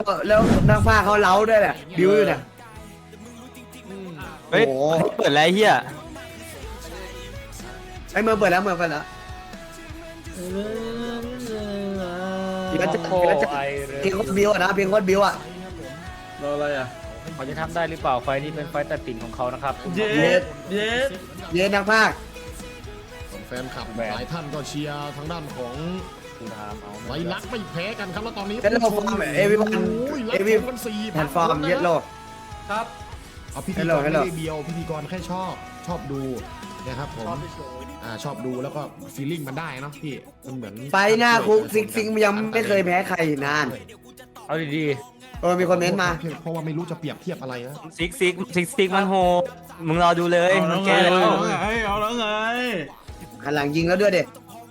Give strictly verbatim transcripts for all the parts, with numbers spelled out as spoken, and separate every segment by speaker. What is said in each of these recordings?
Speaker 1: แล้วนักผ้าเขาเล้าด้วยแหละบิวอยู่เนี่ย
Speaker 2: เฮ้ยเปิดอะไรเฮีย
Speaker 1: ไอ้เมืองเปิดแล้วเมืองเปิดแล้วเดี๋ยวจะเดี๋ยวจะเพลงโคตรบิวอะนะเพลงโคตรบิวอะ
Speaker 3: รออะไรอ่ะ
Speaker 4: เขาจะทำได้หรือเปล่าไฟนี้เป็นไฟตัดสินของเขานะครับ
Speaker 3: เย็ดเย็ด
Speaker 1: เย็นนักผ้า
Speaker 5: แฟนคลับหลายท่านก็เชียร์ทางด้านของ
Speaker 4: คุณทามเอา
Speaker 5: ไวรัสไม่แพ้กันครับแล้วตอนนี้
Speaker 1: เย็นโลฟอร์มเอวีวัน
Speaker 5: โอ้ย
Speaker 1: เอวี
Speaker 5: กันสี่
Speaker 1: แพลตฟอร์มเย็นโล
Speaker 3: ครับ
Speaker 5: เอาพิธีก
Speaker 1: Hello
Speaker 5: รไม่
Speaker 1: Hello
Speaker 5: ได้เบียวพิธีกรแค่ชอบชอบดูนะครับผมอ่าชอบดูแล้วก็ฟีลลิ่งมันได้เนาะพี่มันเหมือน
Speaker 1: ไปหน้าคุกซิกซิงยังไม่เคยแพ้ใครนาน
Speaker 4: เอาดี
Speaker 1: เออมีคนเม้นต์มา
Speaker 5: เพราะว่าไม่รู้จะเปรียบเทียบอะไรนะ
Speaker 2: ซิกซิกซิกซิกมันโหมึงรอดูเลย
Speaker 3: เอา
Speaker 2: มึ
Speaker 3: แล้
Speaker 2: ง
Speaker 3: ว
Speaker 2: แก
Speaker 3: ไง
Speaker 2: แล้ว
Speaker 3: เอาแล้วไงเอาแล้วไง
Speaker 1: หันหลังยิงแล้วด้วยเด็ก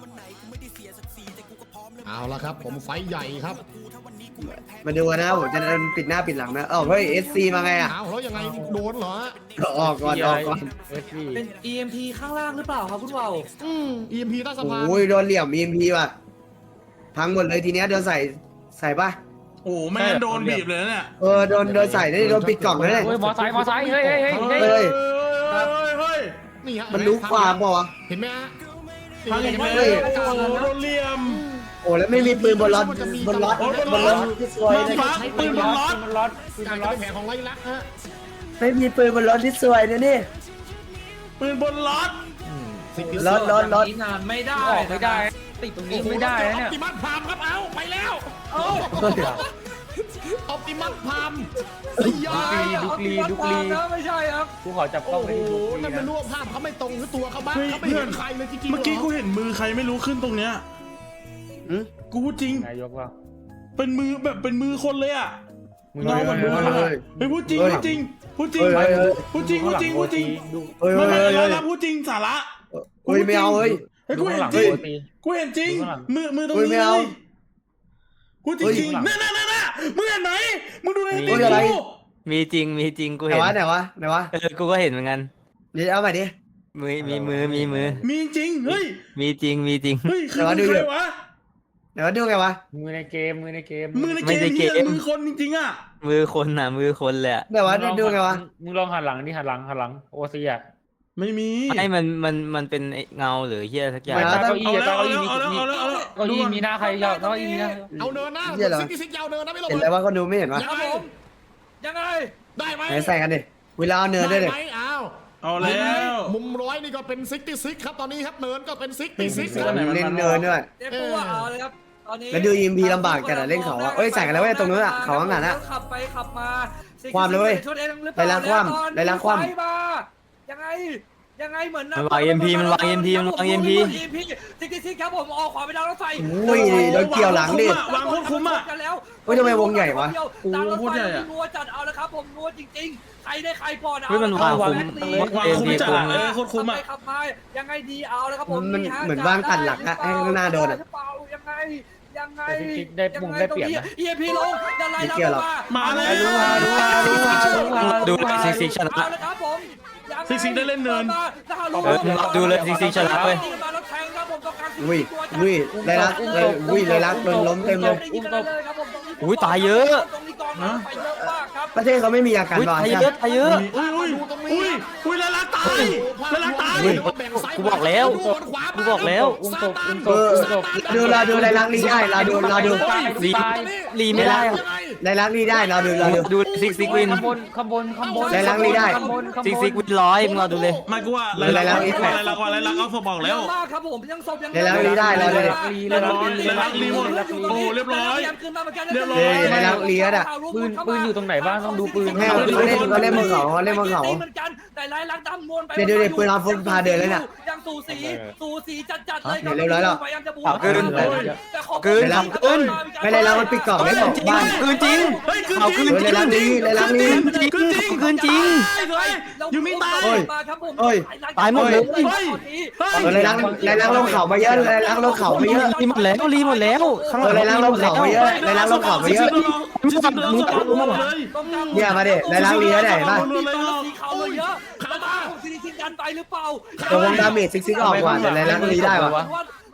Speaker 5: เอาละครับผมไฟท์ใหญ่ครับ
Speaker 1: มาดูนะผมจะปิดหน้าปิดหลังนะเอ้าเฮ้ยเอสซีมาไงอะ
Speaker 5: เอาแล้วยังไงโดนเหรอ
Speaker 1: ออกก่อนออกก่อน
Speaker 4: ๆเอฟซี
Speaker 3: เป็น อี เอ็ม พี ข้างล่างหรือเปล่าครับคุณเบา
Speaker 5: อืม อี เอ็ม พี ใต้สะพาน
Speaker 1: โอ้ยโดนเหลี่ยมมีเอ็มพีว่ะพังหมดเลยทีเนี้ยโดนใส่ใส่ป่ะ
Speaker 3: โอ้แม่งโดนบีบเลยเนี่ย
Speaker 1: เออโดนโดนใส่นี่โดนปิดกล่องเลยเนี่ย
Speaker 4: เฮ้ยมอไซค์มอไซค์เฮ้ยเฮ้ยเฮ้ย
Speaker 1: เฮ้
Speaker 4: เฮ้ย
Speaker 1: ย
Speaker 3: เฮ้ยเฮ้ย
Speaker 5: นี่ฮะ
Speaker 1: มันรู้ความเปล่าวะ
Speaker 5: เห็นไหมฮะ
Speaker 3: ทางเห็นไหม
Speaker 1: เฮ้ย
Speaker 3: โอ้โดนเหลี่ยม
Speaker 1: โอ้แล้วไม่มีปืนบนรถบนรถบนรถที่สวยเลย
Speaker 3: มาฟักปืนบนรถ
Speaker 4: มันรถปืน
Speaker 5: กา
Speaker 4: มั
Speaker 5: ร
Speaker 4: นร
Speaker 5: จะ
Speaker 4: ถ
Speaker 5: เป็นแผนของไรลักษณ์ฮะ
Speaker 1: ไม่มีปืนบนรถที่สวยนะนี่
Speaker 3: ปืนบนรถ
Speaker 5: สิบกิโล
Speaker 1: รถรถรถ
Speaker 3: นานไม่ได้
Speaker 4: ออกไม่ได้ติดตรงนี้ไม่ได้
Speaker 5: อ
Speaker 4: นะ
Speaker 5: อ
Speaker 4: เนี่ย
Speaker 5: ปติมัสพามครับเอาไปแล้วออปติมัสพามยา
Speaker 4: ดุกลีดุกลีดุกลี
Speaker 3: ไม่ใช่ครับ
Speaker 4: กูขอจับกล้
Speaker 5: โอ้
Speaker 4: อง
Speaker 5: โห
Speaker 4: ไปที่ดุกลี
Speaker 5: นั่นไม่
Speaker 4: นะ
Speaker 5: รู้ว่าภาพเขาไม่ตรงหรือตัวเขาบ้าง
Speaker 3: เฮ้ย
Speaker 5: เขาไม่เห็นใครเลยจริงๆ
Speaker 3: เมื่อกี้
Speaker 5: หร
Speaker 3: กูเห็นมือใครไม่รู้ขึ้นตรงเนี้ย
Speaker 1: หืม
Speaker 3: กูพูดจริง
Speaker 4: นายกว่า
Speaker 3: เป็นมือแบบเป็นมือคนเลยอ่ะ
Speaker 4: มึง
Speaker 3: เงาเหมือนมือคน
Speaker 1: เฮ้
Speaker 3: อะ
Speaker 1: ย
Speaker 3: เฮ้ยพูดจริง
Speaker 1: เฮ้ย
Speaker 3: พูดจริงพูดจริง
Speaker 1: เฮ้ยเฮ้ย
Speaker 3: พูดจริงพูดจริงพูดจริง
Speaker 4: ดู
Speaker 1: เฮ้ย
Speaker 3: ไม่
Speaker 1: เฮ้ย
Speaker 3: ไม่
Speaker 1: เฮ้
Speaker 3: แล้
Speaker 1: ยว
Speaker 3: พูดจริงสาระ
Speaker 1: เฮ้ยไม่เอาเฮ้ย
Speaker 3: เฮ้ย
Speaker 4: ดู
Speaker 3: กูเห็
Speaker 4: ข้างห
Speaker 3: น
Speaker 4: ลัง
Speaker 3: จริง
Speaker 4: โอตี
Speaker 3: กูเห็นจริง
Speaker 4: ดูข้างหลัง
Speaker 3: มือมือตรง
Speaker 1: เฮ้ย
Speaker 3: นี้
Speaker 1: ไม่เอา
Speaker 3: พูดจริงจริงน่ะน่ะน่ะน่ะมึงเห็นไหมมึงดูใน
Speaker 1: เฮ้
Speaker 3: ตี
Speaker 1: ยอะไร
Speaker 3: กู
Speaker 2: มีจริงมีจริงกู
Speaker 1: ไหน
Speaker 2: เห็น
Speaker 1: วะไหนวะไหนวะ
Speaker 2: เออกูก็เห็นเหมือนกัน
Speaker 1: เดี๋ยวเอาใหม่ดิ
Speaker 2: มือมีมือมีมือ
Speaker 3: มีจริงเฮ้ย
Speaker 2: มีจริงมีจริง
Speaker 3: เฮ้ยคือ
Speaker 1: เดี๋ยวมาดู
Speaker 3: ใค
Speaker 1: เดี๋
Speaker 3: ร
Speaker 1: ยว
Speaker 3: วะ
Speaker 1: ไหนวะดูไงวะ
Speaker 4: มือในเกมมือในเกม
Speaker 3: มือใน
Speaker 2: ไม่
Speaker 3: เก
Speaker 2: ได้
Speaker 3: ม
Speaker 2: เก
Speaker 3: เหีย
Speaker 2: ม
Speaker 3: มือคนจริงๆอ่ะ
Speaker 2: มือคนน่ะมือคนเลยอะ
Speaker 1: ไหนวะดูไงวะ
Speaker 4: มึงลองหันหลังดิหันหลังหันหลังโอซีอ่ะ
Speaker 3: ไม่มี
Speaker 2: ไม่มันมันมันเป็นไอ้เงาหรือเฮียสักอย่าง
Speaker 4: ไม่
Speaker 1: เอา
Speaker 4: เก้าอี้
Speaker 3: เอา
Speaker 4: อะ
Speaker 3: แล้ว
Speaker 4: เก้า
Speaker 3: เอา
Speaker 4: อี้
Speaker 3: แล้ว
Speaker 4: มี
Speaker 3: เอาแล้ว
Speaker 4: มี
Speaker 3: เอาแล้วเอาแล้ว
Speaker 4: เก้าอี้มีหน้าใครยาวเก้าอี้มีหน้า
Speaker 5: เอาเนินหน้า
Speaker 1: เหี้ยเหรอ
Speaker 5: ซิกซิกยาวเนินนะไม่ลง
Speaker 1: เห็นแล้วว่าคนดูไม่เห็นวะ
Speaker 5: ยังไง
Speaker 3: ยังไง
Speaker 5: ได้ไหม
Speaker 1: ไหนใส่กันดิเวลาเอาเนินด้วย
Speaker 5: ได้
Speaker 1: ดิ
Speaker 5: ไหมอ้าว
Speaker 3: เอาแล้ว
Speaker 5: มุมร้อยนี่ก็เป็นซิกตี้ซิกครับตอนนี้ครับเนินก็เป็นซิกตี้ซิกค
Speaker 3: ตั
Speaker 5: รั
Speaker 3: ว
Speaker 5: บ
Speaker 3: ไหนมัน
Speaker 1: เล่น
Speaker 3: มัน
Speaker 1: เนินด้วย
Speaker 6: เจ๊ปูอะเอาเลยครับตอนนี้
Speaker 1: แล้วดู อี เอ็ม พี ลำบากจัดอะเล่นเขาอะเอ้ยใส่กันแล้วเว้ยตรงนู้นอะเขาข้างหลังอะ
Speaker 6: ขับไปขับมา
Speaker 1: ความเลยเว้ย
Speaker 6: ชนเองหรือเป
Speaker 1: ได้
Speaker 6: ล่า
Speaker 1: ล้างความ
Speaker 6: แตอน
Speaker 1: ได้ล้างความ
Speaker 6: ไฟมายังไงยังไงเหมือน
Speaker 2: มันวาง เอ็ม พี มันวาง เอ็ม พี มันวาง เอ็ม พี
Speaker 6: ซิกซิกซิกครับผมออกขวาไปดาวรถไฟ
Speaker 1: อุ้ยโดนเกี่ยวหลังดิ
Speaker 3: วางโคตรคุ้มอะ
Speaker 6: กันแล้ว
Speaker 1: เฮ้ยทำไมวงใหญ่วะ
Speaker 6: ดาวรถ
Speaker 3: โอ้โหโคตร
Speaker 6: ไฟ
Speaker 3: ใหญ่อะ
Speaker 6: นัวจัดเอาแล้วครับผมนัวจริงๆใครได้ใครก่อนเอา
Speaker 2: เฮ้ยมันวาง
Speaker 6: ละครับ
Speaker 2: คุ้ม
Speaker 6: แม็กซ์
Speaker 3: วางคุ้มจัดอะเออโคตรคุ้มอะ
Speaker 6: ขับไปขับมายังไงดีเอาแล้วครับผม
Speaker 1: มัน
Speaker 6: ฮะ
Speaker 1: เหมือนวางตัดหลักอะให้ข้างหน้าโดนอะ
Speaker 6: หรือเปล่ายังไงยังไง
Speaker 4: แต่ซิกได้มุมได้เปรียบนะ
Speaker 6: เอียพีลงจะไล่
Speaker 1: ไม่เกี่ยวหรอก
Speaker 3: มาแล้ว
Speaker 1: รู้ว่ารู้ว่ารู้ว่ารู้ว่า
Speaker 2: ดูเลยซิกซิกชนะ
Speaker 6: เอาละครับผมยังไง
Speaker 3: ซิกซิกได้เล่นเนิน
Speaker 2: เออมึงดูเลยซิกซิกชนะเว้ย
Speaker 6: มาแล้วแทงครับผมต้องการ
Speaker 1: อุ้ยอุ้ยเลยรักเลยอุ้ยเลยรักโดนล้มเต็มเลย
Speaker 6: อุ้มตบเลยครับผมตรงนี้
Speaker 2: อุ้ยตายเยอะ
Speaker 6: ตรงนี้กองมาไปเยอะมากครับ
Speaker 1: ประเทศเขาไม่มีอาการ
Speaker 2: อุ้ย
Speaker 1: บอล
Speaker 2: ตาย
Speaker 1: ใช่
Speaker 2: เย
Speaker 1: ไหม
Speaker 2: อะตายเยอะ
Speaker 3: อุ้ยอุ้ยอุ้ยอุ้ยละลักตายละลักตาย
Speaker 1: อุ้ย
Speaker 2: กูบอกแล้วกูบอกแล้ว
Speaker 4: อุ้มตบอุ้มต
Speaker 1: เอบ อ
Speaker 4: อุ้มตบ
Speaker 1: ดูเราดูเลยรักนี่ได้เราดูเราดู
Speaker 2: รีรีไม่ได้อะ
Speaker 1: เลยรักนี่ได้เราดูเราดู
Speaker 2: ดูซิกซิกวิน
Speaker 4: ข้างบนข้างบนข้างบน
Speaker 1: ได้ล้างนี่ได้
Speaker 4: ข้างบนข้างบน
Speaker 2: ซิกซิกวินร้อยมึงรอดูเลย
Speaker 3: ไม่กูว่าอะไรลักอะไรลักอะไรลักเอาศพบอก
Speaker 6: เย
Speaker 3: แล้ว
Speaker 6: อะมากครับผมยังศพยัง
Speaker 1: เลยรักนี่ได้เราดูดิ
Speaker 3: เลยรักเลยรักรีหมดโอ้เรียบร้อย เรียบร้อย
Speaker 1: เฮ้ยเลยรักเลียดอะ
Speaker 4: ปืนปืนอยู่ตรงไหนบ้างต้องดูปืน
Speaker 1: แม่เขาเล่นเขาเล่นบนเขาเขาเล่นบนเขา
Speaker 6: เหมือนกันแต่ลายลักดำมวนไป
Speaker 1: เดี๋ยวเดี๋ยวเดี๋ยวปืนเอาฟุตพาเดินเลยน่ะ
Speaker 6: ยังสูสีสูสีจัดๆเลย
Speaker 1: เดี๋ยวเรียบร้อยแล้ว
Speaker 6: พยายามจะบู
Speaker 2: เอาเกิน
Speaker 6: แต่ขอ
Speaker 2: เกิน
Speaker 1: เลยรักเกินไม่เลยรักมันปิดกล่องไม่บอกบ้าน
Speaker 2: คืนจริง
Speaker 3: เฮ้ยคืน
Speaker 2: เอา
Speaker 3: จริ
Speaker 2: คื
Speaker 3: ง
Speaker 2: น
Speaker 1: เออ
Speaker 2: จ
Speaker 1: เลยรัก
Speaker 2: ริง
Speaker 1: นี้เลยรักนี้
Speaker 2: คืนจริงคืนจริง
Speaker 3: ยูมิตาย
Speaker 1: เฮ้ย
Speaker 6: ครับผม
Speaker 1: เฮ้ย
Speaker 2: ตายหมดเลย
Speaker 3: เฮ้ย
Speaker 1: เออเลยรักเลยรักลงเขามาเยอะเลยรักลงเขามาเยอะ
Speaker 2: รีหมดแล้วรีหมดแล้วข้างห
Speaker 1: เอ
Speaker 2: ลั
Speaker 1: อง เลยรักลงเขามาเยอะเลยรักลงเขามาเยอะ
Speaker 2: มึงจับมึงจับมึงมา
Speaker 1: เนี่ยมาดิเลยรักเลียได้ป่ะ
Speaker 6: สีขาวเลยเยอะแล้วมาของซีรีส์ดันไปหรือเปล่า
Speaker 1: ตัววงดาเมจซิกซิกออกก่อนแต่เลยรักลีได้วะ
Speaker 6: ม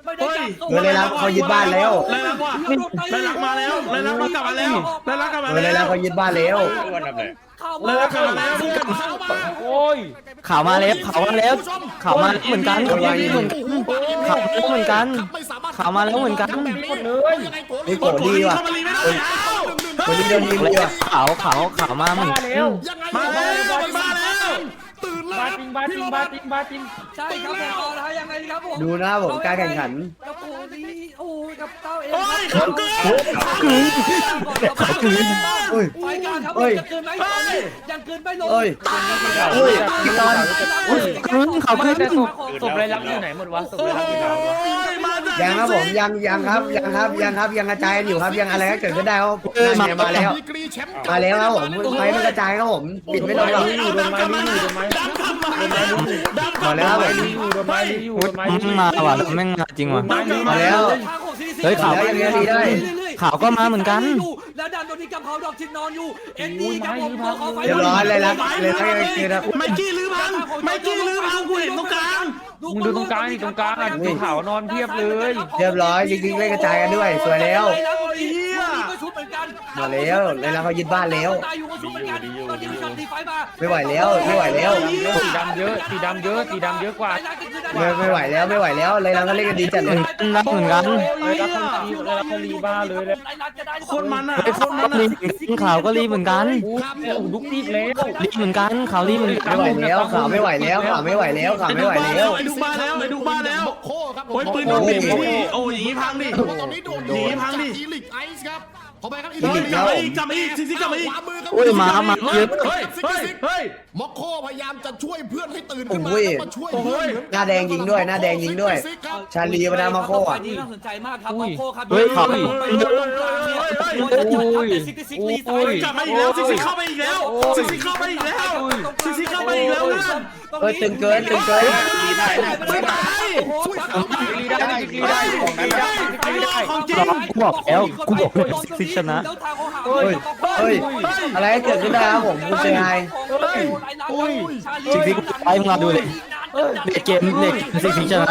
Speaker 6: ไม่ได้จับตัว
Speaker 1: เฮ้ยเลยรักเขายึดบ้านแล้ว
Speaker 3: เลยรักว่ะเลยรักมาแล้วเลยรักมากลับมาแล้วเลยรักกลับมา
Speaker 1: เออเลย
Speaker 3: แล้
Speaker 1: รัก
Speaker 3: ว
Speaker 1: เขายึดบ้านแล้ว
Speaker 6: เข้า
Speaker 3: เล
Speaker 6: มาย
Speaker 3: รักกลับมาแล้วมึงกลับมา
Speaker 4: โอ้ย
Speaker 2: ข่าวมาแล้วข่าวมาแล้วข่าวมาเหมือนกันข่าวมาเหมือนกันข่าวมาเหมือนกันข่าวมาแล้วเหมือนกัน
Speaker 4: หมดเลย
Speaker 1: นี่โกรธดีว่ะ
Speaker 3: เข้ามาลีไม่ได้แล้ว
Speaker 1: คนนี้โดนยิงเลยว่ะ
Speaker 2: ข่าวข่าวข่าวมาเหมือน
Speaker 4: มา
Speaker 2: กัน
Speaker 4: แล้ว
Speaker 3: มาแล้วมาแล้ว
Speaker 5: ตื่นแล้
Speaker 4: บาว จริงบาจริงบาจริงบาจริง
Speaker 6: ใช่ครับผมเอาละฮะยังไงดีครับผม
Speaker 1: ดูนะผมการแข่งขัน
Speaker 6: กับโอ้นี่โอ้ยกับเต้าเอง
Speaker 3: โอ้ยเขาเกิน
Speaker 2: เขาคืน
Speaker 1: เฮ้ย
Speaker 6: ไฟกลางครับ
Speaker 1: เฮ้ย
Speaker 6: ยังคืนไหมตอนนี้ยังคืนไม่ลง
Speaker 1: เฮ้ยเฮ้ยพี่ตอน
Speaker 2: คืนเขาคืน
Speaker 4: แต่ศพศพไรลักอยู่ไหนหมดวะศพไรลักอยู่ไหนวะ
Speaker 1: ยังครับผมยังยังครับยังครับยังครับยังกระจายกันอยู่ครับยังอะไรก็เกิดขึ้นได้ครับนั่นไงมาแล้ว
Speaker 5: ดีกรีแชมป์
Speaker 1: มาแล้วครับผมไฟมันกระจายครับผมปิดไม่ลงหรอก
Speaker 4: อยู่โดนไม้นี่อยู่โดนไม้
Speaker 3: ดันกลับมา
Speaker 1: มาแล้วครับผม
Speaker 4: อยู่โดนไม้นี่อยู่โดนไม้
Speaker 2: มึงมาว่ะแม่งมาจริงว่ะ
Speaker 1: มาแล้ว
Speaker 2: เฮ้ยข่าว
Speaker 1: แล้วยังไงดีได้
Speaker 2: ข่าวก็มาเหมือนกัน
Speaker 6: แล้วดันโดนที่กับเขาดอกชินนอนอยู่เอ็นดีครับผมตัวเขาไฟ
Speaker 1: เรียบร้อยเลยรักเลยรักยังไงคือนะ
Speaker 3: ไมกี้ลื้อพังไมกี้ลื้อพังกูเห็นตรงกลาง
Speaker 4: มึงดูตรงกลางดิตรงกลางอ่ะดูขาวนอนเพียบเลย
Speaker 1: เรียบร้อยจริงๆเล่นกระจายกันด้วยสวยแล้ว
Speaker 6: ก็ชุดเหมือนกัน
Speaker 1: มาแล้วเลยรักเขายึดบ้านแล้ว
Speaker 6: ตายอยู่ก็ชุดเหมือนกันตอนนี้มีการตีไฟมา
Speaker 1: ไม่ไหวแล้วไม่ไหวแล้ว
Speaker 4: สีดำเยอะสีดำเยอะสีดำเยอะกว่า
Speaker 1: ไม่ไม่ไหวแล้วไม่ไหวแล้วเลยรักเขาเล่นกันดีจัด
Speaker 2: เห
Speaker 1: เล
Speaker 2: มื
Speaker 1: ย
Speaker 2: อนกันรักเหมือนกัน
Speaker 4: เลยรักคนรีเลยรักคนรีบ้าเลยเลย
Speaker 3: คนมันอ่ะ
Speaker 2: ไอ้
Speaker 3: ค
Speaker 2: ข่าวน
Speaker 3: มัน
Speaker 2: รี
Speaker 3: อ่ะ
Speaker 2: บข่าวก็รีบเหมือนกัน
Speaker 4: โอ้โหลุกรีบแล้ว
Speaker 2: รีบเหมือนกันข่าวรีบเหมือนกัน
Speaker 1: ไม่ไหวแล้วข่าวไม่ไหวแล้วข่าวไม่ไหวแล้วข่าว
Speaker 3: ไอ้
Speaker 1: ไม่
Speaker 3: ดู
Speaker 1: ไหว
Speaker 3: บ้า
Speaker 1: แล้
Speaker 3: แล้ว วไอ้ดูบ้าแล้วไอ้ดูบ้าแล้ว
Speaker 5: โคครับผม
Speaker 3: โอ้ยปืนโดนปิดที่โอ้ยอย่างนี้พังดิ
Speaker 5: ตอนนี้โดน
Speaker 3: หนีพังดิ
Speaker 5: อีลิกไอซ์ครับขอไปครับอี
Speaker 3: เฮ้ย
Speaker 5: ลิก
Speaker 3: กลับมาอีกกลับมาอีกซิซิกลับมาอีก
Speaker 5: ขวามือครับ
Speaker 2: โอ้ยมามาเยอะ
Speaker 3: เฮ้ยเฮ้ยเฮ้ย
Speaker 5: ม็อกโคพยายามจะช่วยเพื่อนให้ตื่นขึ้นมา
Speaker 1: โอ้ย
Speaker 5: แล้วมาช่วยเพื่อน
Speaker 1: หน้าแดงยิงด้วยหน้าแดงยิงด้วย ชาลีมาดามาโคอ่ะ
Speaker 6: นี่น่าสนใจมากครับมาโคครับ
Speaker 2: เฮ้ยข่าว
Speaker 6: ไปตรงกลางเนี่ยโอ้ยซิกซิกลีไซ
Speaker 3: กลับมาอีกแล้วซิซิเข้าไปอีกแล้วซิซิเข้าไปอีกแล้วซิซิเข้าไปอีกแล้วนะ
Speaker 1: เฮ้ยตึงเกินตึงเกิน
Speaker 3: ไม่ตาย
Speaker 4: รีได้รีได้ของนั้นได้รีได้
Speaker 3: ของจริง
Speaker 2: กูบอกแล้วกูบอกแล้วซิกชนะ
Speaker 1: เฮ้ยเฮ้ยอะไรเกิดขึ้นได้ครับผมคุณเซฮาย
Speaker 2: ซิกซิกไปมึงมาดูเลยในเกมเด็กซิกซิกชนะ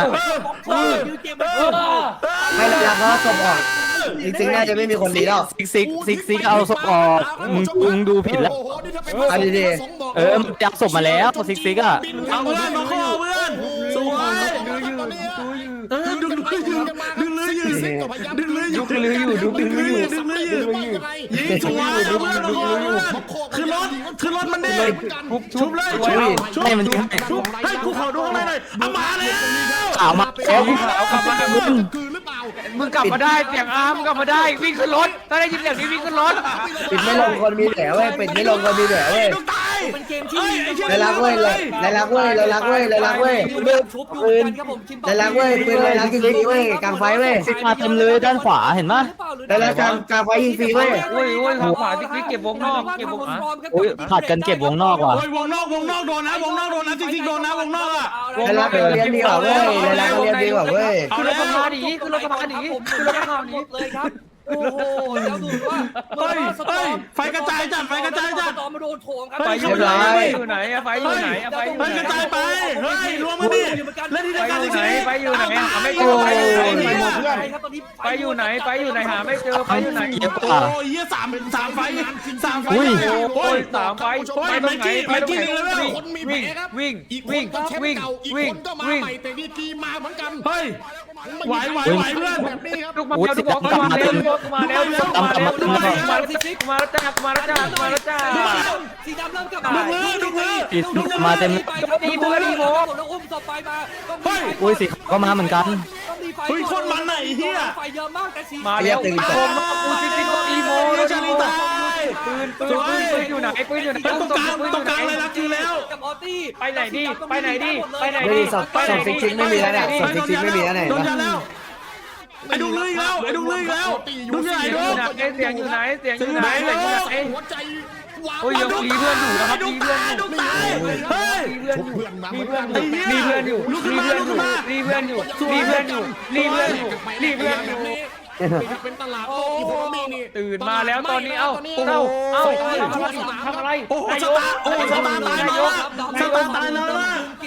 Speaker 1: ให้ระยะเขาสบออกจริงๆน่าจะไม่มีคนดีแล้ว
Speaker 2: ซิกซิกซิกซิกเอาศพออกมึงมึงดูผิดแล้ว
Speaker 5: โอ้โหนี่ถ้าเป็น
Speaker 1: เอาดี
Speaker 2: เออมันจับศพมาแล้วซิกซิกอ่ะ
Speaker 3: เอาเพื่อนมาข้อเพื่อนสวย เออดึงเลืออยู่ดึงเลืออยู่ดึงเลืออยู่ดึงเลืออยู่ดึงเลืออยู่ดึงเลืออยู่ยิงสวยดึงเลืออยู่คือรถคือรถมันดิชุบเลยชุบ
Speaker 2: ให้มันยิงให้
Speaker 3: ชุบให้กูขอดูข้างในหน่อยเอามาแล้ว
Speaker 2: ข่าวมาแล้ว
Speaker 4: เอากลับมา
Speaker 5: คืนหรือเปล่า
Speaker 4: มึงกลับมาได้เสียงอาร์มกลับมาได้วิ่งขึ้นรถถ้าได้ยินเสียงนี้วิ่งขึ้นรถ
Speaker 1: ปิดไม่ลงคนมีแผลเว้ยปิดไม่ลงคนมีแผลเว้ย
Speaker 3: ต้องตาย
Speaker 6: เป็นเกมที่
Speaker 1: เลยรักเว้ยเลยเลยรักเว้ยเลยรักเว้ยเลยรักเว้ย
Speaker 6: ชุบอยู่กันครับผม
Speaker 1: เลยรักเว้ยปืนเลยรักยิงฟรีเว้ยกลางไฟเว้ย
Speaker 2: ซิกมาเต็มเลยด้านขวาเห็นปะ
Speaker 1: เลยรักกลางกลางไฟยิงฟรีเว้ย
Speaker 4: โอ้ยโอ้ยขวาที่เก็บวงนอกเก็บวงอ่ะ
Speaker 2: โอ้ยผัดกันเก็บวงนอกว่ะ
Speaker 3: โอ้ยวงนอกวงนอกโดนนะวงนอกโดนนะจริงๆโดนนะวงนอกอ่ะ
Speaker 1: เลยรักเรียนดีกว่าเว้ยเลยรักเรียนดีกว่าเว้ย
Speaker 4: ขึ้นรถกระบะหนีขึ้นรถกระบะหนีขึ้นรถกระบะหนี
Speaker 6: เลยครับโอ้โหแล้วดูว่า
Speaker 3: เฮ้ยเฮ้ยไฟกระจายจัดไฟกระจายจัด
Speaker 6: ตอมมาโดนโถมครับ
Speaker 4: ไฟอยู่ไหนไฟอยู่ไหนอะไฟอยู่ไหนอะไฟอยู่
Speaker 3: เฮ้ย
Speaker 4: ไหน
Speaker 3: กระจายไปเฮ้ยรวมกันดิเล่นที่เดียวกันสิ
Speaker 4: ไฟอยู่ไหนหาไม่เจอไฟอยู่ไหนไฟอยู่ไหนไฟอยู่ไหนหาไม่เจอไฟอยู่ไหน
Speaker 2: เยอะก
Speaker 3: โอ้
Speaker 2: ว่า
Speaker 3: ยยี่สามสามไฟสามไฟ
Speaker 2: อุ้ย
Speaker 4: โอ้ยสามไฟไฟตรงไหนไฟตรงไหน
Speaker 5: คนมีแผล
Speaker 4: วิ่ง
Speaker 5: ครับ
Speaker 4: วิ่ง
Speaker 5: อีกค
Speaker 4: วิ่
Speaker 5: น
Speaker 4: ง
Speaker 5: ก็แชม
Speaker 4: วิ่ง
Speaker 5: ป์เก่าอีก
Speaker 4: วิ่
Speaker 5: ค
Speaker 4: ง
Speaker 5: นก็มา
Speaker 4: วิ่ง
Speaker 5: ใหม่แต่ดีกรีมาเหมือนกัน
Speaker 3: เฮ้ยไหวไหวไหวเพื่อน
Speaker 5: แบบนี้ครับ
Speaker 4: ลูกมาแล้วลูกมาแล้วลูกมาแล้วลูกมาแล้วลูกมาแล้วมาแล้วจ้ามาแล้วจ้ามาแล้วจ้า
Speaker 6: สีดำเริ่มกลับมา
Speaker 2: มาเต็ม
Speaker 6: ดีโมดีโมแล้วอุ้มต่อไปมา
Speaker 2: อุ้ยสิก็มาเหมือนกัน
Speaker 3: เฮ้ยคนมันไหนเฮีย
Speaker 6: ไฟเยอะมากแต่สี
Speaker 4: มาแล้วโคมกูซิซิโกอีโมแล้วจ้าปืนปืนปืนปืนอยู่ไหนปืนอยู่ไหน
Speaker 3: ตรงกลางตรงกลางเลยนะคือแล้ว
Speaker 6: กับออตี้
Speaker 4: ไปไหนดีไปไหนดีไปไหน
Speaker 1: ไม่
Speaker 4: ดี
Speaker 1: มีสอบสอบซิกซิกไม่มีแล้วเนี่ยสอบซิกซิกไม่มีแล้วไหน
Speaker 3: โดน
Speaker 1: วะ
Speaker 3: ยาแล้วไอ้ดุเลยแล้วไอ้ดุเลยแล้วดุที่ไหน
Speaker 4: อ
Speaker 3: ดุ
Speaker 4: ยู่ไหนเสียงอยู่ไหนเสียงอยู่ไหนเสียงอยู่ไหน
Speaker 5: หัวใจวาง
Speaker 4: โอ้ยยังรีเพื่อนอยู่นะครับ
Speaker 3: ดุ
Speaker 4: รี
Speaker 3: ตา
Speaker 4: เพื่อน
Speaker 3: ย
Speaker 4: อยู่
Speaker 3: ดุตายเฮ้ย
Speaker 5: ชุบเพื่อนมาเหมือนกัน
Speaker 4: รีเพื่อนอยู่รีเพื่อนอยู่รีเพื่อนอยู่รีเพื่อนอยู่รีเพื่อนอยู่รีเพื่อนอยู่
Speaker 5: เป็นตลาดโอ้โหมีนี่
Speaker 4: ตื่นมาแล้วตอนนี้เอ้าเอ้าเอ้าทำอะไรทำอะไร
Speaker 3: โอ้โหสตาร์โอ้โหสตาร์ตายแล้วสตาร์ตายแล้ว
Speaker 6: กิน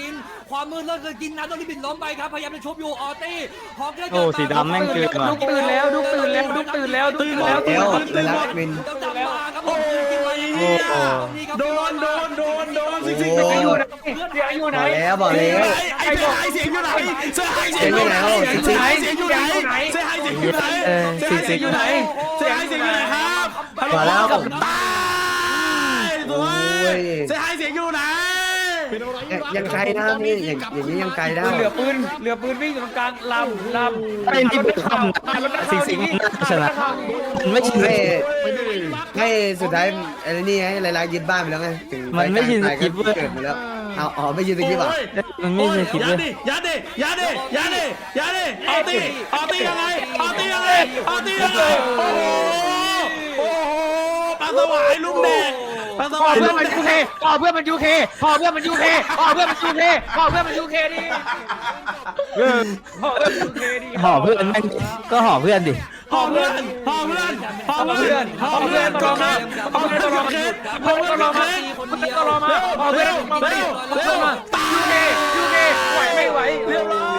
Speaker 6: ความมืดเริ่มจะกินน้ำโดนลิบินล้มไปครับพยายามจะชุบอยู่ออตี้ฮอกเกอร์
Speaker 2: โอ้สีดำแม่งเกินว่ะ
Speaker 4: ลุกตื่นแล้วลุกตื่นแล้วลุกตื่นแล้วลุกตื่น
Speaker 1: บอ
Speaker 4: แล้
Speaker 1: ก
Speaker 4: ว
Speaker 1: แล้วเลยรักมิน
Speaker 3: โอ้ยโดนโดนโดนโดนสิสิ
Speaker 1: โอ้
Speaker 4: อยู่ไหนเดี๋ยวอยู่
Speaker 1: บ
Speaker 4: ไหน
Speaker 1: อกแล้วบอกแล้ว
Speaker 3: ไอ้เสียหายเสียงอยู่ไหนเสียหายเสียงอยู่ไหนเสียหายเสียงอยู่ไหนเสียหายเสียงอยู่ไหนเสียหายเสียงอยู่ไหนเสียหายเสียงอยู่ไหนครับ
Speaker 1: บอกแล้ว
Speaker 3: ตายด้วยเสียหายเสียงอยู่ไหน
Speaker 5: เป็นอะไร
Speaker 1: ยังไกลนะนี่อย่างอย่างนี้ยังไกลได้
Speaker 4: เหลือปืนเหลือปืนวิ่งอยู่ตรงกลางลำลำ
Speaker 2: ไอ้นี่เป็นคำสิงสิงน่าชนะมันไม่ชิน
Speaker 1: ให้ให้สุดท้ายไอ้นี่ให้ลายๆยึดบ้านไปแล้วไงถึง
Speaker 2: มันไม่ชิน
Speaker 1: ไป
Speaker 2: สกิปเว้ย
Speaker 1: เกิดไปแล้วเอาอ๋อไม่ยืนสกิปอ่ะ
Speaker 2: มันไม่ใช่คิด
Speaker 3: ยั
Speaker 2: เล
Speaker 3: ด
Speaker 2: ย
Speaker 3: ดิยัดดิยัดดิยัดดิยัดดิเอาตีเอาตียังไงเอาตียังไงเอาตียังไงโอ้โหโอ้โหปลาสวายลูกแดงปลาส
Speaker 4: พอ
Speaker 3: วาย
Speaker 4: เพื่
Speaker 3: ลู
Speaker 4: อน
Speaker 3: ก
Speaker 4: มัน
Speaker 3: แด
Speaker 4: ยู
Speaker 3: ง
Speaker 4: เคพอเพื่อนมันยูเคพอเพื่อนมันยูเคพอเพื่อนมันยูเคพอเพื่อนมันยูเคดิพอเพื่อนมันยูเคดิ
Speaker 2: ห่อเพื่อนแม่งก็ห่อเพื่อนดิ
Speaker 3: หอมเพื่อนหอมเพื่อนหอมเพื่อนหอมเพื่อนกองมาหอมเพื่อนกองเคสหอมเพื่อนกองเคส
Speaker 4: เพื่อนก็รอมาพอเพื่อนมา
Speaker 3: เร็วเร็ว
Speaker 4: ยูเคยูเคไหวไม่ไหว
Speaker 3: เรียบร้อย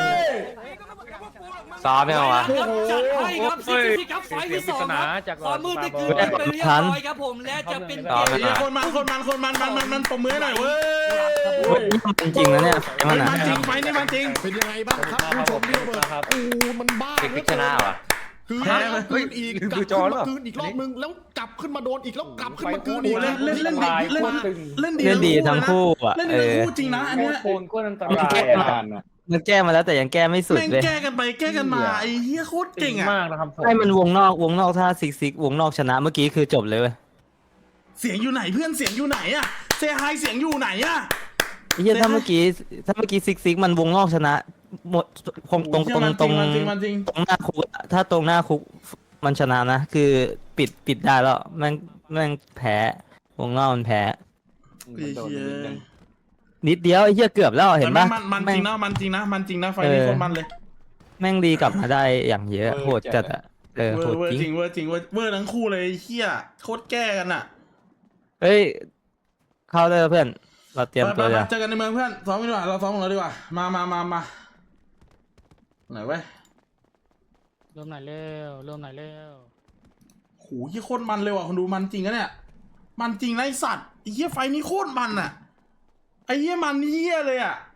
Speaker 2: ซ้อมยังวะ
Speaker 6: จัดให้ครับซิกซิกครับไฟที่สองครับความมืดได้เกินไปเรียบร้อยครับผมและจะเป็นเกม
Speaker 3: ไอ้คนมันคนมันคนมันมันมันมันปมมือหน่อยเว้ย
Speaker 2: เฮ้ยนี่มันจริงนะเนี่ยไอ้มันอ่ะ
Speaker 3: มันจริงไฟนี่มันจริง
Speaker 5: เป็นยังไงบ้างครับผู้ชมที่เบิร์ดโอ้มันบ้า
Speaker 2: พิชนะวะ
Speaker 5: คือคืนอีกกลับขึ้นมาคืนอีกรอบนึงแล้วกลับขึ้นมาโดนอีกแล้วกลับขึ้นมาคืนอีก
Speaker 3: เล่นเล่นเล่นดีเล่นเล่นดี
Speaker 2: เล่นดีทั้งคู่อ่ะ
Speaker 3: เล่น
Speaker 2: เอ
Speaker 3: ดีทั้ง
Speaker 2: อ
Speaker 3: คู่จริงนะอันเนี้ย
Speaker 4: โคนก็อันต
Speaker 2: มัน
Speaker 4: ราย
Speaker 2: แก้มามันแก้มาแล้วแต่ยังแก้ไม่สุด
Speaker 3: แม่ง
Speaker 2: เลย
Speaker 3: แก้กันไปแก้กันมาไอ้เหี้ยโคตรเก่งอ่ะ
Speaker 4: มากนะครับผม
Speaker 2: ให้มันวงนอกวงนอกถ้าซิกซิกวงนอกชนะเมื่อกี้คือจบเลยเว้ย
Speaker 3: เสียงอยู่ไหนเพื่อนเสียงอยู่ไหนอ่ะเซฮายเสียงอยู่ไหนอ่ะ
Speaker 2: ไอ้เหี้ยถ้าเมื่อกี้ถ้าเมื่อกี้ซิกซิกมันวงนอกชนะหมดคงตรงตรงตรง
Speaker 3: มันจริงมันจริง
Speaker 2: ตรงหน้าคุกอะถ้าตรงหน้าคุกมันชนะนะคือปิดปิดได้แล้วแม่งแม่งแพ้วงนอกมันแพ้
Speaker 3: ไอ้เหี้ย
Speaker 2: นิดเดียวไอ้เหี้ยเกือบแล้วเห็นปะ
Speaker 3: มันมันจ
Speaker 2: แม่
Speaker 3: ริ
Speaker 2: ง
Speaker 3: งนะมันจริงนะมันจริงนะไฟนี้โคตรมันเลย
Speaker 2: แม่งดีกลับมาได้อย่างเยอะโหดจัดอะเออ
Speaker 3: เว
Speaker 2: โห
Speaker 3: อ
Speaker 2: ด
Speaker 3: ร์เวอร์
Speaker 2: จ
Speaker 3: จ
Speaker 2: ริ
Speaker 3: ริ
Speaker 2: ง
Speaker 3: งเวอร์จริงเวอร์เวอร์ทั้งคู่เลยไอ้เหี้ยโคตรแก้กันอ่ะ
Speaker 2: เฮ้ยเข้าได้แล้วเพื่อนเราเตรียม
Speaker 3: ไป
Speaker 2: ตัว
Speaker 3: ไป
Speaker 2: จะ
Speaker 3: เจอกันในเมืองเพื่อนซ้อมกันดีกว่าเราซ้อมกันเลยดีกว่ามามามามาไหนเว้ย
Speaker 4: เริ่มไหนเร็วเริ่มไหนเร็ว
Speaker 3: โหยี่โคตรมันเลยว่ะคนดูมันจริงนะเนี่ยมันจริงนะไอสัตว์ไอ้เหี้ยไฟนี้โคตรมันอ่ะไอ้เหี้ยมันเหี้ยเลยอ่ะ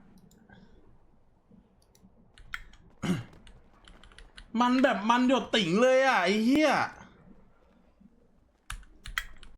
Speaker 3: มันแบบมันหยดติ่งเลยอ่ะไอ้เหี้ย